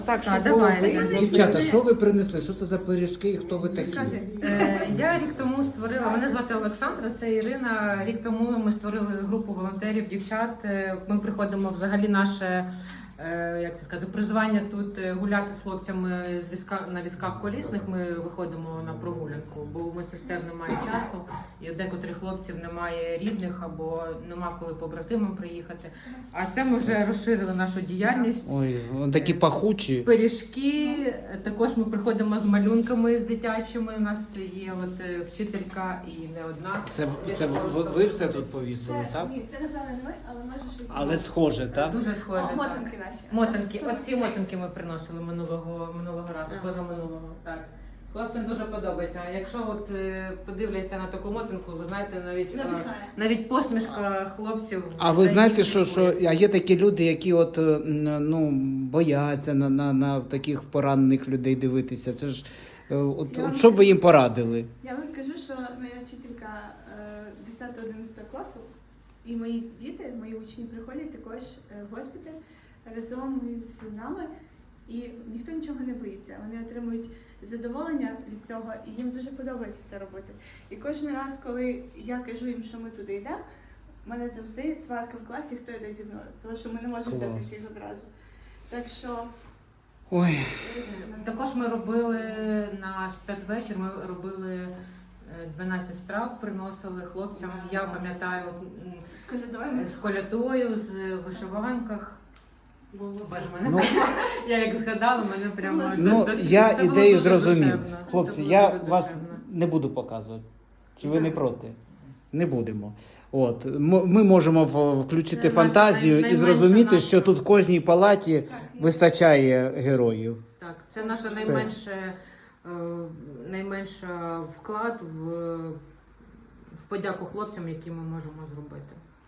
Так, що давай. Дівчата, що ви принесли? Що це за пиріжки і хто ви такі? Я рік тому створила, мене звати Олександра, це Ірина. Рік тому ми створили групу волонтерів, дівчат. Ми приходимо взагалі наше, як це сказати, призвання тут гуляти з хлопцями на візках колісних. Ми виходимо на прогулянку, бо у медсестер немає часу, і у декотрих хлопців немає рідних або нема коли побратимам приїхати. А це ми вже розширили нашу діяльність. Ой, вони такі пахучі. Пиріжки, також ми приходимо з малюнками з дитячими. У нас є от вчителька і не одна. Це ви все тут повісили, так? Ні, це напевно не ми, але може щось. Але схоже, так? Дуже схоже. О, мотанки наші. Мотанки. Оці мотанки ми приносили минулого разу, позаминулого. Так. Хлопцям дуже подобається. А якщо от подивляться на таку мотанку, ви знаєте, навіть посмішка хлопців. А ви знаєте, що є такі люди, які от бояться на таких поранених людей дивитися. Це ж от що б ви їм порадили? Я вам скажу, що моя вчителька 10-11 класу і мої діти, мої учні приходять також в госпіталь разом із нами, і ніхто нічого не боїться. Вони отримують задоволення від цього, і їм дуже подобається це робити. І кожен раз, коли я кажу їм, що ми туди йдемо, в мене завжди сварка в класі, хто йде зі мною, тому що ми не можемо взяти всіх одразу. Так що... Ой. Також ми робили на святвечір, ми робили 12 страв, приносили хлопцям. Я пам'ятаю з колядою, з вишиванках. Боже, мене я як згадала, мене прямо я це було ідею дуже зрозумів. душевно. Хлопці, Це я було дуже вас душевно. не буду показувати. Чи ви не проти? Не будемо. От ми можемо включити Це фантазію наша і зрозуміти, наша- що тут в кожній палаті вистачає героїв. Так, це наша Все. найменша вклад в подяку хлопцям, які ми можемо зробити.